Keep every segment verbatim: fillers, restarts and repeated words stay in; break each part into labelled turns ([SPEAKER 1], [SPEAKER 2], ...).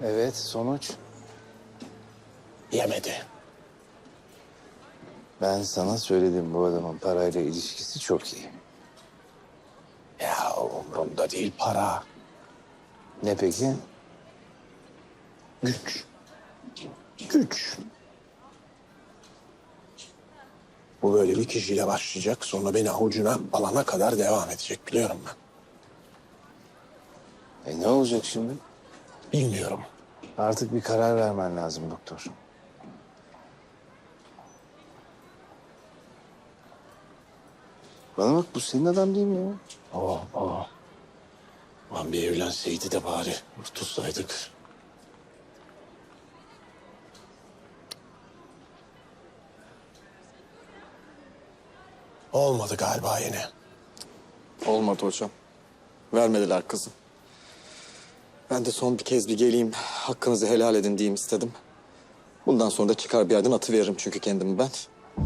[SPEAKER 1] Evet, sonuç?
[SPEAKER 2] Yemedi.
[SPEAKER 1] Ben sana söyledim, bu adamın parayla ilişkisi çok iyi.
[SPEAKER 2] Ya umurumda değil para.
[SPEAKER 1] Ne peki?
[SPEAKER 2] Güç. Güç. Bu böyle bir kişiyle başlayacak. Sonra beni avucuna alana kadar devam edecek, biliyorum ben.
[SPEAKER 1] E ne olacak şimdi?
[SPEAKER 2] Bilmiyorum.
[SPEAKER 1] Artık bir karar vermen lazım doktor. Bana bak, bu senin adam değil mi ya?
[SPEAKER 2] Oh, oh. Lan bir evlenseydi de bari tutsaydık. Olmadı galiba yine.
[SPEAKER 3] Olmadı hocam. Vermediler kızı. Ben de son bir kez bir geleyim, hakkınızı helal edin diyeyim istedim. Bundan sonra da çıkar bir yerden atıveririm çünkü kendimi ben.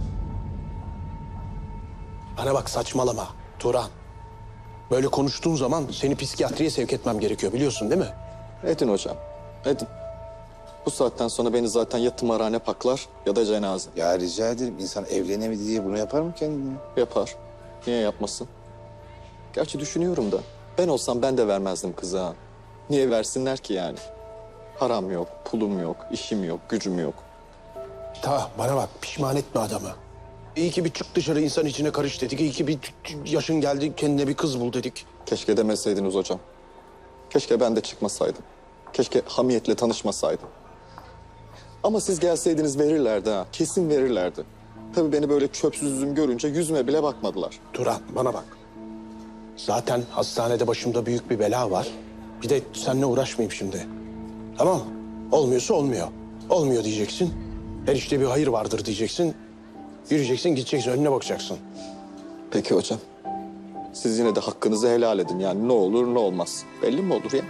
[SPEAKER 2] Bana bak, saçmalama Turan. Böyle konuştuğun zaman seni psikiyatriye sevk etmem gerekiyor, biliyorsun değil mi?
[SPEAKER 3] Edin hocam, edin. Bu saatten sonra beni zaten ya tımarhane paklar ya da cenaze.
[SPEAKER 1] Ya rica ederim, insan evlenemedi diye bunu yapar mı kendine?
[SPEAKER 3] Yapar. Niye yapmasın? Gerçi düşünüyorum da ben olsam ben de vermezdim kızı ha. Niye versinler ki yani? Param yok, pulum yok, işim yok, gücüm yok.
[SPEAKER 2] Ta bana bak, pişman etme adamı. İyi ki bir çık dışarı, insan içine karış dedik. İyi ki bir yaşın geldi, kendine bir kız bul dedik.
[SPEAKER 3] Keşke demeseydiniz hocam. Keşke ben de çıkmasaydım. Keşke hamiyetle tanışmasaydım. Ama siz gelseydiniz verirlerdi ha. Kesin verirlerdi. Tabii beni böyle çöpsüzüm görünce yüzüme bile bakmadılar.
[SPEAKER 2] Turan, bana bak. Zaten hastanede başımda büyük bir bela var. Bir de seninle uğraşmayayım şimdi. Tamam. Olmuyorsa olmuyor. Olmuyor diyeceksin. Her işte bir hayır vardır diyeceksin. Yürüyeceksin, gideceksin, önüne bakacaksın.
[SPEAKER 3] Peki hocam. Siz yine de hakkınızı helal edin. Yani ne olur ne olmaz. Belli mi olur ya?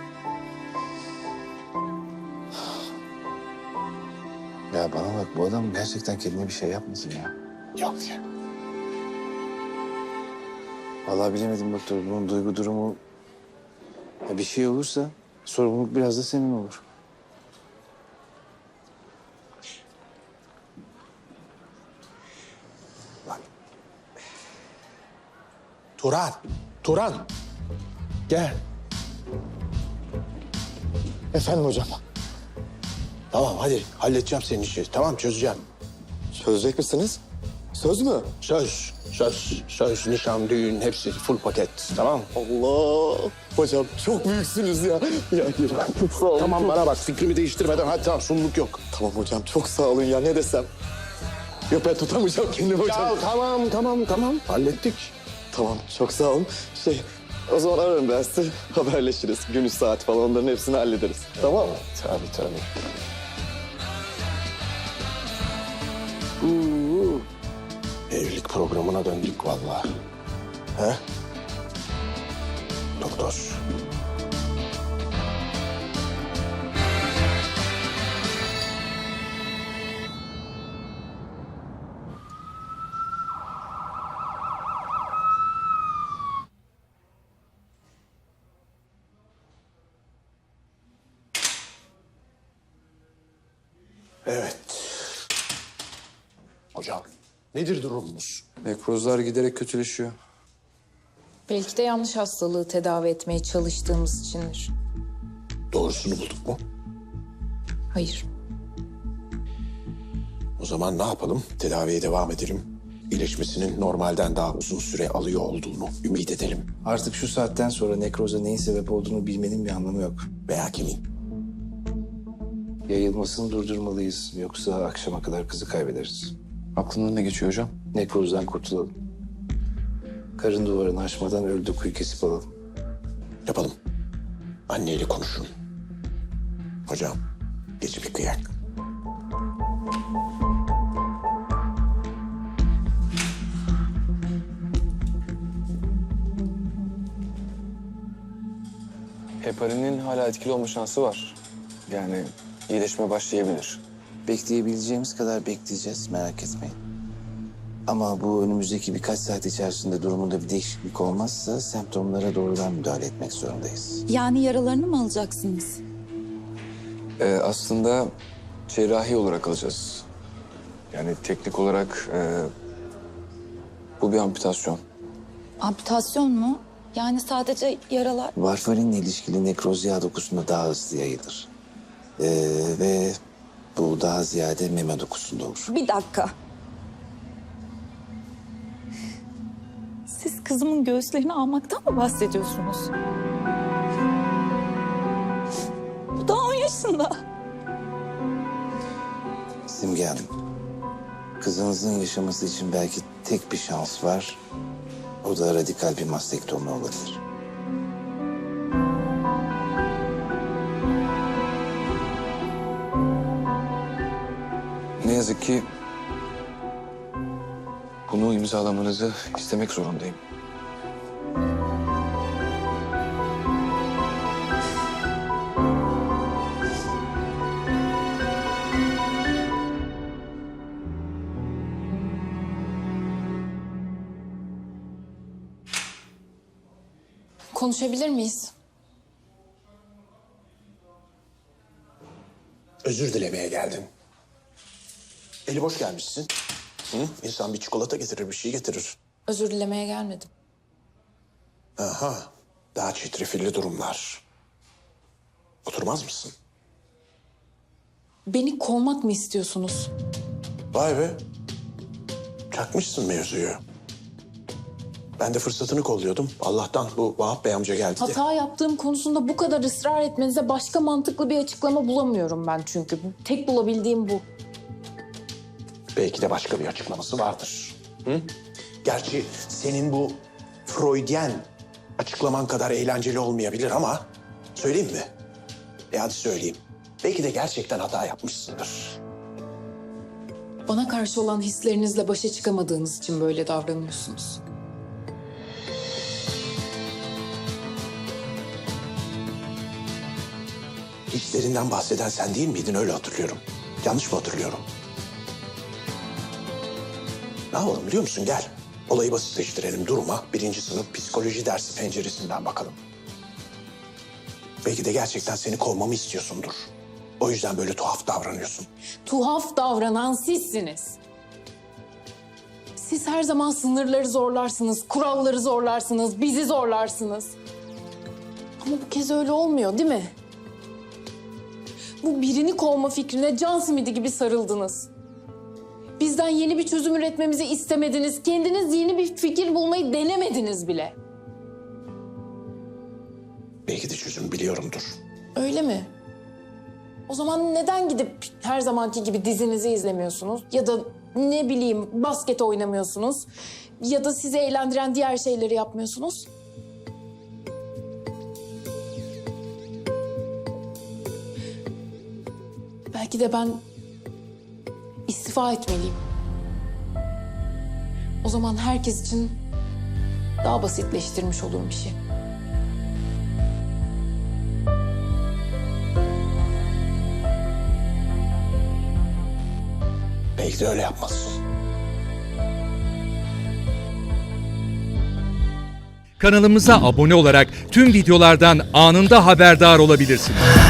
[SPEAKER 1] Ya bana bak, bu adam gerçekten kendine bir şey yapmasın ya.
[SPEAKER 2] Yok ya.
[SPEAKER 1] Vallahi bilemedim doktor, bunun duygu durumu... Ya bir şey olursa sorumluluk biraz da senin olur.
[SPEAKER 2] Bak. Turan, Turan. Gel.
[SPEAKER 3] Efendim hocam.
[SPEAKER 2] Tamam, hadi halledeceğim senin işi. Tamam, çözeceğim.
[SPEAKER 3] Çözecek misiniz? Söz mü?
[SPEAKER 2] Söz, söz, söz, nişan, düğün hepsi full paket. Tamam.
[SPEAKER 3] Allah! Hocam çok büyüksünüz ya. Ya, ya çok sağ olun.
[SPEAKER 2] Tamam, bana bak, fikrimi değiştirmeden hadi, tamam, sunumluk yok.
[SPEAKER 3] Tamam hocam çok sağ olun ya, ne desem. Yok ben tutamayacağım kendimi hocam.
[SPEAKER 2] Ya tamam, tamam, tamam. Hallettik.
[SPEAKER 3] Tamam çok sağ olun. Şey o zaman ararım ben sizi, haberleşiriz. Günü saat falan onların hepsini hallederiz. Tamam mı?
[SPEAKER 2] Tabii, tabii. Uuu. Evlilik programına döndük vallahi. He? Doktor. Evet. Hocam, nedir durumumuz?
[SPEAKER 4] Nekrozlar giderek kötüleşiyor.
[SPEAKER 5] Belki de yanlış hastalığı tedavi etmeye çalıştığımız içindir.
[SPEAKER 2] Doğrusunu bulduk mu?
[SPEAKER 5] Hayır.
[SPEAKER 2] O zaman ne yapalım? Tedaviye devam edelim. İyileşmesinin normalden daha uzun süre alıyor olduğunu ümit edelim.
[SPEAKER 1] Artık şu saatten sonra nekroza neyin sebep olduğunu bilmenin bir anlamı yok.
[SPEAKER 2] Veya kimin?
[SPEAKER 1] Yayılmasını durdurmalıyız, yoksa akşama kadar kızı kaybederiz.
[SPEAKER 4] Aklından ne geçiyor hocam?
[SPEAKER 1] Nekrozdan kurtulalım. Karın duvarını aşmadan ölü dokuyu kesip alalım.
[SPEAKER 2] Yapalım. Anneyle konuşun. Hocam, gece bir kıyak.
[SPEAKER 4] Heparinin hala etkili olma şansı var. Yani iyileşme başlayabilir.
[SPEAKER 1] Bekleyebileceğimiz kadar bekleyeceğiz, merak etmeyin. Ama bu önümüzdeki birkaç saat içerisinde durumunda bir değişiklik olmazsa semptomlara doğrudan müdahale etmek zorundayız.
[SPEAKER 6] Yani yaralarını mı alacaksınız?
[SPEAKER 4] Ee, aslında cerrahi olarak alacağız. Yani teknik olarak e, bu bir amputasyon.
[SPEAKER 6] Amputasyon mu? Yani sadece yaralar...
[SPEAKER 1] Varfarinle ilişkili nekroz yağ dokusunda daha hızlı yayılır. Ee, ve bu daha ziyade meme dokusunda olur.
[SPEAKER 6] Bir dakika. Siz kızımın göğüslerini almaktan mı bahsediyorsunuz? Bu daha on yaşında.
[SPEAKER 1] Simge Hanım, kızınızın yaşaması için belki tek bir şans var. O da radikal bir mastektomi olabilir.
[SPEAKER 4] Ne yazık ki bunu imzalamanızı istemek zorundayım.
[SPEAKER 5] Konuşabilir miyiz?
[SPEAKER 2] Özür dilemeye geldin. Eli boş gelmişsin. Hı? İnsan bir çikolata getirir, bir şey getirir.
[SPEAKER 5] Özür dilemeye gelmedim.
[SPEAKER 2] Aha, daha çetrefilli durumlar. Oturmaz mısın?
[SPEAKER 5] Beni kovmak mı istiyorsunuz?
[SPEAKER 2] Vay be. Çakmışsın mevzuyu. Ben de fırsatını kolluyordum. Allah'tan bu Vahap Bey amca geldi de.
[SPEAKER 5] Hata yaptığım konusunda bu kadar ısrar etmenize başka mantıklı bir açıklama bulamıyorum ben çünkü. Tek bulabildiğim bu.
[SPEAKER 2] Belki de başka bir açıklaması vardır. Hı? Gerçi senin bu Freudyen açıklaman kadar eğlenceli olmayabilir ama söyleyeyim mi? E hadi söyleyeyim. Belki de gerçekten hata yapmışsındır.
[SPEAKER 5] Bana karşı olan hislerinizle başa çıkamadığınız için böyle davranıyorsunuz.
[SPEAKER 2] Hislerinden bahseden sen değil miydin? Öyle hatırlıyorum. Yanlış mı hatırlıyorum? Ne yapalım biliyor musun? Gel. Olayı basitleştirelim duruma. Birinci sınıf psikoloji dersi penceresinden bakalım. Belki de gerçekten seni kovmamı istiyorsundur. O yüzden böyle tuhaf davranıyorsun.
[SPEAKER 5] Tuhaf davranan sizsiniz. Siz her zaman sınırları zorlarsınız, kuralları zorlarsınız, bizi zorlarsınız. Ama bu kez öyle olmuyor değil mi? Bu birini kovma fikrine can simidi gibi sarıldınız. Bizden yeni bir çözüm üretmemizi istemediniz. Kendiniz yeni bir fikir bulmayı denemediniz bile.
[SPEAKER 2] Belki de çözüm biliyorumdur.
[SPEAKER 5] Öyle mi? O zaman neden gidip her zamanki gibi dizinizi izlemiyorsunuz? Ya da ne bileyim basket oynamıyorsunuz? Ya da sizi eğlendiren diğer şeyleri yapmıyorsunuz? Belki de ben istifa etmeliyim. O zaman herkes için daha basitleştirmiş olurum işi.
[SPEAKER 2] Belki de öyle yapmazsın.
[SPEAKER 7] Kanalımıza abone olarak tüm videolardan anında haberdar olabilirsiniz.